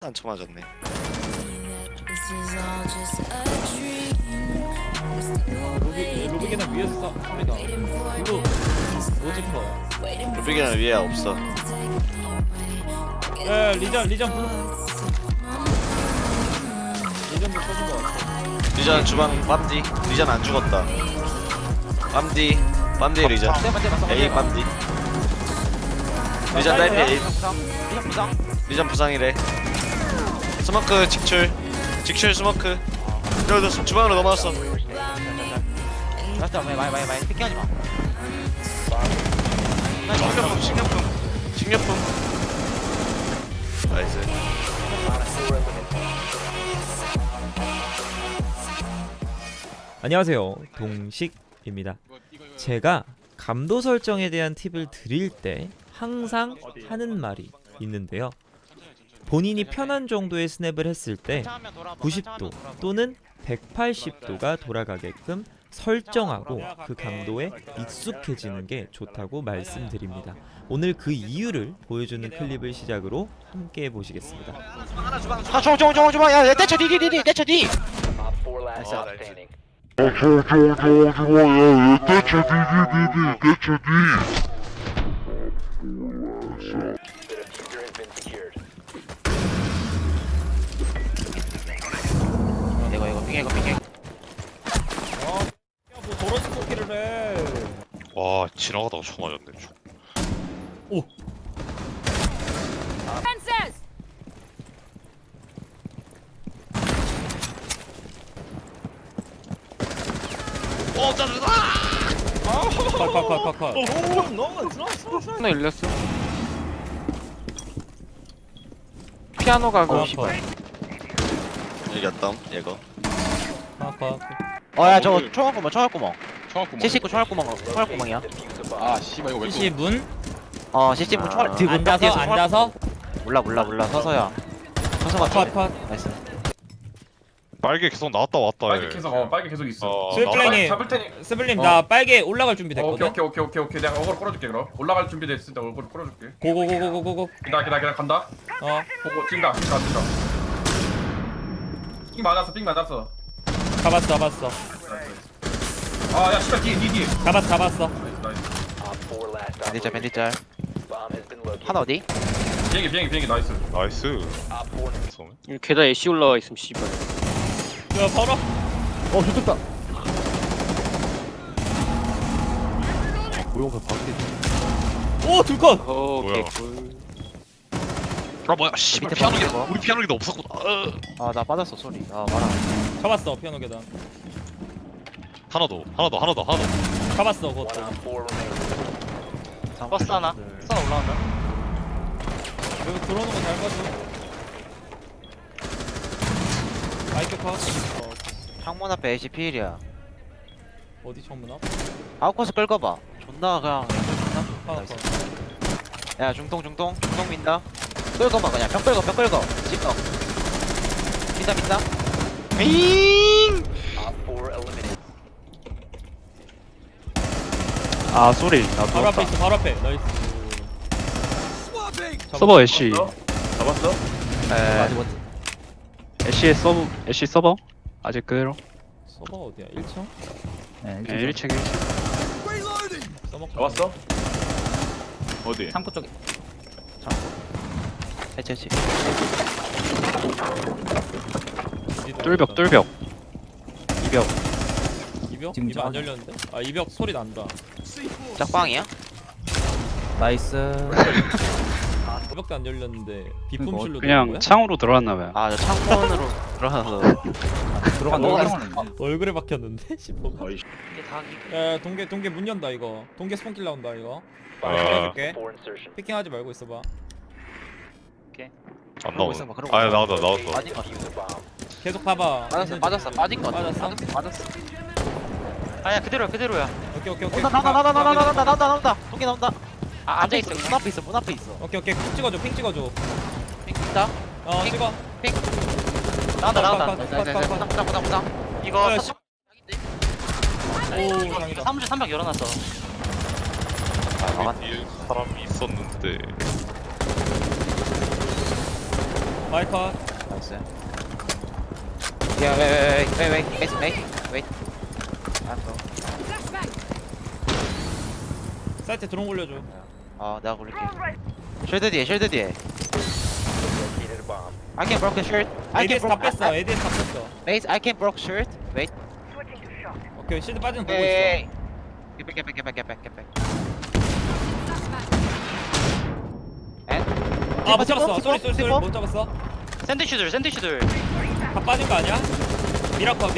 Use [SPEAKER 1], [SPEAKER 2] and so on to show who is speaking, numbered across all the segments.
[SPEAKER 1] 안 쳐맞았네.
[SPEAKER 2] 루빅이나 위에서 쌉니다. 블루 오지퍼.
[SPEAKER 1] 루빅이는 위에 없어.
[SPEAKER 2] 에 리전 블루. 리전 블루 터진 거 같아.
[SPEAKER 1] 리전 주방 빰디. 리전 안 죽었다. 빰디 리전. A 빰디. 리전 딸피 A. 리전 부상이래. 스모크 직출 스모크. 여기도 주방으로 넘어왔어.
[SPEAKER 3] 맞다 많이 피킹하지 마.
[SPEAKER 1] 식료품. 나이스.
[SPEAKER 2] 안녕하세요, 동식입니다. 제가 감도 설정에 대한 팁을 드릴 때 항상 하는 말이 있는데요. 본인이 편한 정도의 스냅을 했을 때 90도 또는 180도가 돌아가게끔 설정하고 그 감도에 익숙해지는 게 좋다고 말씀드립니다. 오늘 그 이유를 보여주는 클립을 시작으로 함께 보시겠습니다.
[SPEAKER 3] 아 좋아. 야 떼쳐 디디디디 떼쳐 디. 이거 핑해.
[SPEAKER 2] 뭐 도로 스포키를 해.
[SPEAKER 1] 와 지나가다가 쳐 맞았네.
[SPEAKER 2] 오.
[SPEAKER 1] 짜증나.
[SPEAKER 2] 컷.
[SPEAKER 4] 하나 열렸어. 피아노 가고
[SPEAKER 1] 이겼담 얘거.
[SPEAKER 2] 컷.
[SPEAKER 3] 어야 저거 총알구멍. 79 총알구멍이야.
[SPEAKER 4] 아 씨발 이거 왜 또?
[SPEAKER 2] PC 문
[SPEAKER 3] CC문 총알 뒤 문벽
[SPEAKER 2] 앉아서
[SPEAKER 3] 뒤에서
[SPEAKER 2] 앉아서
[SPEAKER 3] 몰라 서서야. 서서가
[SPEAKER 2] 컷.
[SPEAKER 3] 나이스.
[SPEAKER 1] 빨개 계속 나왔다 왔다 해.
[SPEAKER 5] 빨개 계속 있어.
[SPEAKER 2] 스플랭이
[SPEAKER 5] 잡을 테니.
[SPEAKER 2] 스블림 나 빨개 올라갈 준비 됐거든.
[SPEAKER 5] 오케이. 내가 어그로 끌어줄게 그럼. 올라갈 준비 됐을 때 어그로 끌어줄게.
[SPEAKER 2] 고고고고고고.
[SPEAKER 5] 기다 간다. 보고 뛴다. 삥 맞았어.
[SPEAKER 2] 잡았어.
[SPEAKER 5] 아야 씨발 뒤.
[SPEAKER 2] 잡았어.
[SPEAKER 5] 나이스.
[SPEAKER 3] 밴디짤. 하나 어디?
[SPEAKER 5] 비행기 나이스.
[SPEAKER 1] 나이스.
[SPEAKER 4] 게다 애쉬 올라와 있음 씨발.
[SPEAKER 2] 야 바로.
[SPEAKER 3] 좋겠다.
[SPEAKER 2] 오 둘컷.
[SPEAKER 4] 오케이.
[SPEAKER 1] 아 뭐야 씨발
[SPEAKER 3] 밑에
[SPEAKER 1] 피아노
[SPEAKER 3] 봐,
[SPEAKER 1] 기다. 우리 피아노 기다 없었구나.
[SPEAKER 3] 나 빠졌어 소리. 말아.
[SPEAKER 2] 잡았어 피아노 계단.
[SPEAKER 1] 하나 더.
[SPEAKER 2] 잡았어 그것도.
[SPEAKER 3] 버스 하나. 올라온다.
[SPEAKER 2] 여기 들어오는 거 잘 봐줘. 마이크 컷.
[SPEAKER 3] 창문 앞에 AC 필이야.
[SPEAKER 2] 어디 정문 앞?
[SPEAKER 3] 아웃코스 끌고 봐. 존나 그냥 존나
[SPEAKER 2] 컷.
[SPEAKER 3] 좋다. 야 중동 민다. 끌고 봐 그냥 벽 끌고 찍어. 민다. 잉.
[SPEAKER 6] 아 쏘리 나
[SPEAKER 2] 바로 앞에
[SPEAKER 6] 누웠다.
[SPEAKER 2] 있어 바로 앞에. 나이스.
[SPEAKER 6] 서버 애쉬
[SPEAKER 5] 잡았어?
[SPEAKER 6] 애쉬 서버 아직 그대로.
[SPEAKER 2] 서버 어디야? 1층?
[SPEAKER 6] 네 1층 1층.
[SPEAKER 2] 서버
[SPEAKER 5] 잡았어? 어디?
[SPEAKER 3] 창고 쪽에. 해치.
[SPEAKER 6] 뚫벽 2벽.
[SPEAKER 2] 이벽 안 열렸는데? 아 이벽 소리 난다.
[SPEAKER 3] 짝방이야?
[SPEAKER 7] 나이스.
[SPEAKER 2] 이벽도 안 열렸는데 비품실로
[SPEAKER 6] 그냥
[SPEAKER 2] 들어온 거야?
[SPEAKER 6] 창으로 들어왔나봐요.
[SPEAKER 3] 저 창문으로 들어가서
[SPEAKER 7] 들어간다.
[SPEAKER 2] 얼굴에 박혔는데? 싶어.
[SPEAKER 5] 어이씨.
[SPEAKER 3] 이게 다
[SPEAKER 2] 야 동계 문 연다 이거. 동계 스폰킬 나온다 이거. 잡아줄게. 피킹하지 말고 있어봐.
[SPEAKER 1] 안
[SPEAKER 3] 그러고 있어 봐, 그러고
[SPEAKER 1] 아
[SPEAKER 3] 있어.
[SPEAKER 1] 나왔어.
[SPEAKER 3] 빠진 거 같아.
[SPEAKER 2] 계속 봐봐.
[SPEAKER 3] 빠졌어. 빠진 거 같아.
[SPEAKER 2] 빠졌어?
[SPEAKER 3] 아야 그대로야.
[SPEAKER 2] 오케이.
[SPEAKER 3] 나온다. 동기 나온다. 앉아 있어. 문 앞에 있어.
[SPEAKER 2] 오케이. 핑 찍어줘.
[SPEAKER 3] 핑다.
[SPEAKER 2] 찍어.
[SPEAKER 3] 나온다.
[SPEAKER 2] 컷.
[SPEAKER 3] 이거
[SPEAKER 2] 야,
[SPEAKER 3] 사-
[SPEAKER 2] 오 장이다.
[SPEAKER 3] 사무실 300 열어놨어.
[SPEAKER 1] 뒤에 사람이 있었는데.
[SPEAKER 2] 마이컷.
[SPEAKER 3] 나이스. 야, wait. 알았어.
[SPEAKER 2] 사이트 드론 올려줘.
[SPEAKER 3] 내가 굴릴게. 쉴드 뒤에. I can broke the shirt.
[SPEAKER 2] ADS 다 뺐어. ADS 다 뺐어.
[SPEAKER 3] Base, I can broke shirt. Wait.
[SPEAKER 2] 오케이 실드 빠지는 거 보고
[SPEAKER 3] Hey.
[SPEAKER 2] 있어.
[SPEAKER 3] Get back. And?
[SPEAKER 2] 아 못 잡았어.
[SPEAKER 3] 티퍼?
[SPEAKER 2] 쏘리 못 잡았어.
[SPEAKER 4] 샌드슈들.
[SPEAKER 2] 다 빠진 거 아니야? 미라컷.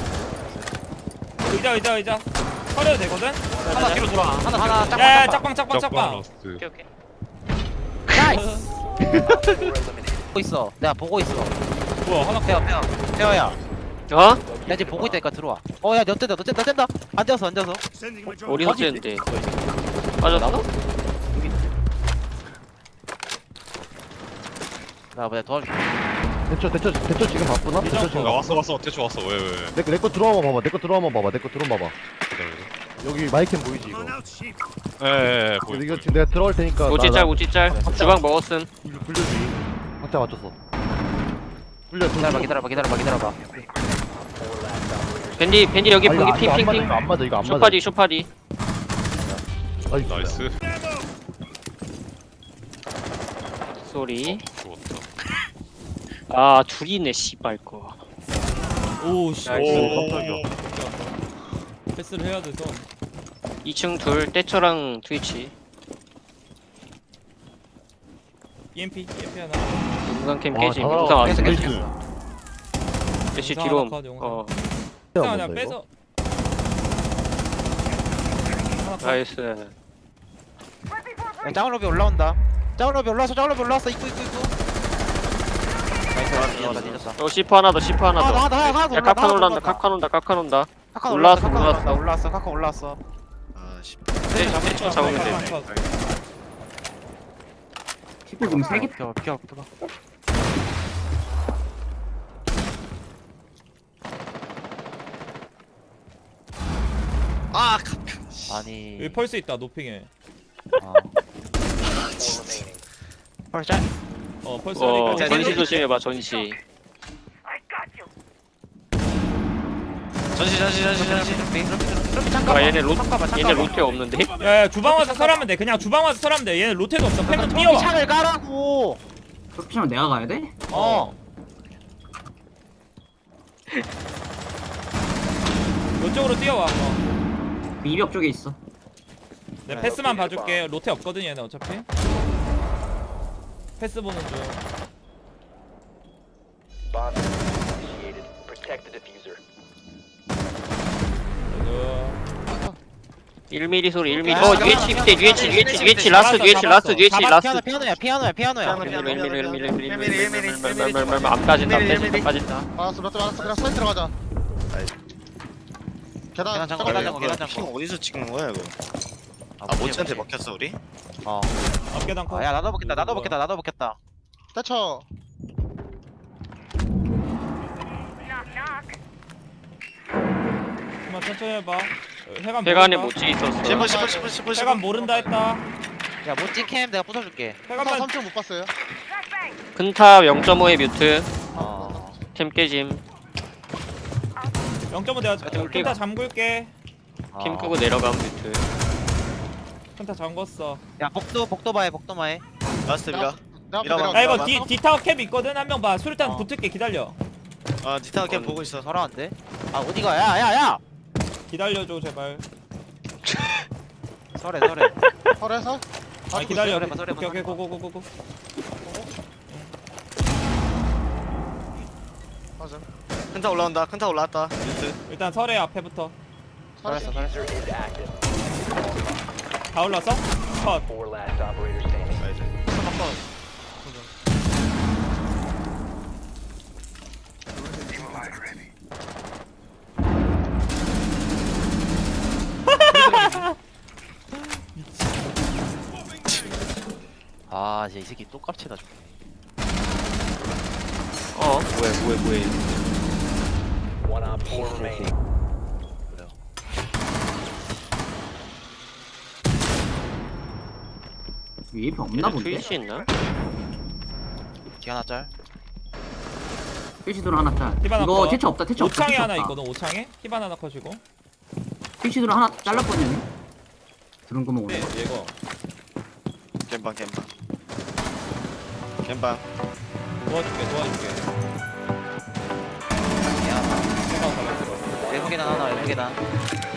[SPEAKER 2] 의자. 서려도 되거든?
[SPEAKER 3] 하나 뒤로 돌아. 하나 짝방.
[SPEAKER 2] 야 짝방.
[SPEAKER 1] 라스트.
[SPEAKER 4] 오케이.
[SPEAKER 3] 나이스. 보고 있어. 내가 보고 있어.
[SPEAKER 2] 뭐야 하나
[SPEAKER 3] 태어야.
[SPEAKER 4] 어?
[SPEAKER 3] 나 지금 보고 있다니까 들어와. 야, 너 뗀다. 앉아서.
[SPEAKER 4] 어디서 찌는데? 빠졌어?
[SPEAKER 3] 나 뭐야 도와줄게.
[SPEAKER 8] 대처 지금 바쁘나? 대처 지금
[SPEAKER 1] 야 왔어 대충 왔어 왜
[SPEAKER 8] 내거 들어와만 봐봐. 내거 들어와만 봐봐. 내거 드론 봐봐.
[SPEAKER 1] 기다려.
[SPEAKER 8] 여기 마이캠 보이지 이거?
[SPEAKER 1] 예 보여.
[SPEAKER 8] 이거 지금 내가 들어갈 테니까
[SPEAKER 4] 우찌짤. 주방 먹었음.
[SPEAKER 8] 굴려주기. 확자 맞췄어. 굴려.
[SPEAKER 3] 기다려봐.
[SPEAKER 4] 밴디 여기 붕기 핑.
[SPEAKER 8] 이거 안 맞아. 이거 안 맞아.
[SPEAKER 4] 쇼파디.
[SPEAKER 1] 나이스.
[SPEAKER 4] 소리.
[SPEAKER 1] 죽었다.
[SPEAKER 4] 아 둘이네 씨발 거.
[SPEAKER 2] 오씨.
[SPEAKER 4] 나이스.
[SPEAKER 2] 패스를 해야 돼서.
[SPEAKER 4] 2층 둘 떼처랑 트위치.
[SPEAKER 2] EMP 하나.
[SPEAKER 4] 용상 캠
[SPEAKER 8] 와,
[SPEAKER 4] 깨짐.
[SPEAKER 8] 다
[SPEAKER 4] 용상 안
[SPEAKER 8] 나왔어.
[SPEAKER 4] 깨짐. 애쉬
[SPEAKER 2] 용상
[SPEAKER 4] 뒤로.
[SPEAKER 2] 하나 컷, 용상.
[SPEAKER 4] 어
[SPEAKER 2] 그냥 빼서. 하나 컷.
[SPEAKER 4] 나이스.
[SPEAKER 3] 짱으로비 올라온다. 짱으로비 올라왔어. 입구. 나이스. 뒤졌어.
[SPEAKER 4] 시프 하나 더.
[SPEAKER 3] 하나 더
[SPEAKER 4] 야 카칸 온다.
[SPEAKER 3] 카카
[SPEAKER 4] 올라왔어.
[SPEAKER 3] 카카 올라왔어.
[SPEAKER 4] 떼처 잡으면 돼.
[SPEAKER 2] 하나 컷.
[SPEAKER 3] 킥불공 3개. 비켜. 아니.
[SPEAKER 2] 여기 펄스 있다 노핑에.
[SPEAKER 3] 펄스.
[SPEAKER 2] 펄스 하니까
[SPEAKER 4] 전시 조심해봐 전시. 아 얘네 로테 없는데?
[SPEAKER 2] 야야 주방 와서 설하면 돼. 그냥 주방 와서 설하면 돼. 얘는 로테도 없어. 팬은 뛰어와.
[SPEAKER 3] 창을 깔라고.
[SPEAKER 9] 쇼핑을 내가 가야 돼?
[SPEAKER 2] 이쪽으로 뛰어와.
[SPEAKER 9] 이벽 쪽에 있어.
[SPEAKER 2] 내 패스만 봐줄게. 로테 없거든 얘는 어차피. 패스 보는 중.
[SPEAKER 4] 1mm 소리 1mm. 뒤에 라스트
[SPEAKER 3] 피아노야.
[SPEAKER 4] 안 빠진다.
[SPEAKER 8] 알았어. 그냥 사이트 들어가자.
[SPEAKER 3] 계단 잠궈.
[SPEAKER 10] 어디서 찍는 거야 이거? 모치한테 먹혔어 우리?
[SPEAKER 2] 앞계단 컷.
[SPEAKER 3] 야 나도 먹겠다.
[SPEAKER 8] 대처.
[SPEAKER 2] 그만 천천히 해봐. 해감
[SPEAKER 4] 배관에
[SPEAKER 2] 모른다.
[SPEAKER 4] 모찌 있었어.
[SPEAKER 10] 10분
[SPEAKER 2] 해감 모른다 했다.
[SPEAKER 3] 야 모찌 캠 내가 부숴줄게.
[SPEAKER 2] 해감만
[SPEAKER 8] 3층 못 봤어요.
[SPEAKER 4] 큰탑 0.5의 뮤트. 캠 깨짐.
[SPEAKER 2] 0.5 내가
[SPEAKER 4] 하여튼
[SPEAKER 2] 큰타 잠글게.
[SPEAKER 4] 캠 끄고 내려감 뮤트.
[SPEAKER 2] 큰타 잠궜어.
[SPEAKER 3] 야 복도 봐해.
[SPEAKER 10] 라스트 미라.
[SPEAKER 2] 야 이거 디타워 캡 있거든. 한 명 봐. 수류탄 붙을게. 기다려.
[SPEAKER 10] 니타가 캠 보고 있어.
[SPEAKER 3] 설아한데? 어디가? 야.
[SPEAKER 2] 기다려줘 제발.
[SPEAKER 3] 설해.
[SPEAKER 8] 설에서?
[SPEAKER 2] 아 기다려.
[SPEAKER 3] 설해봐.
[SPEAKER 2] 오케이 고고고고고.
[SPEAKER 8] 맞아.
[SPEAKER 10] 큰타 올라왔다. 뉴스.
[SPEAKER 2] 일단 설해 앞에부터.
[SPEAKER 3] 설했어.
[SPEAKER 2] 다 올랐어? 컷.
[SPEAKER 3] 이제 이 새끼 또 깝치다 죽네.
[SPEAKER 4] 뭐해.
[SPEAKER 9] 위에 벽 없나 본데?
[SPEAKER 4] 트위치 있나?
[SPEAKER 3] 뒤 하나 짤.
[SPEAKER 9] 피시드로 하나 짤.
[SPEAKER 2] 히바나
[SPEAKER 9] 이거
[SPEAKER 2] 거.
[SPEAKER 9] 태초 없다. 태초 없다.
[SPEAKER 2] 오창에
[SPEAKER 9] 태초
[SPEAKER 2] 하나
[SPEAKER 9] 없다.
[SPEAKER 2] 있거든. 오창에 히바나 하나 커지고.
[SPEAKER 9] 피시드로 하나 잘랐거든요. 들은 거면 오네.
[SPEAKER 2] 얘거.
[SPEAKER 10] 겜방 겜방
[SPEAKER 2] 도와줄게.
[SPEAKER 3] 미안하다.
[SPEAKER 2] 생각 잡았어.
[SPEAKER 3] 외부 계단 하나 외부 계단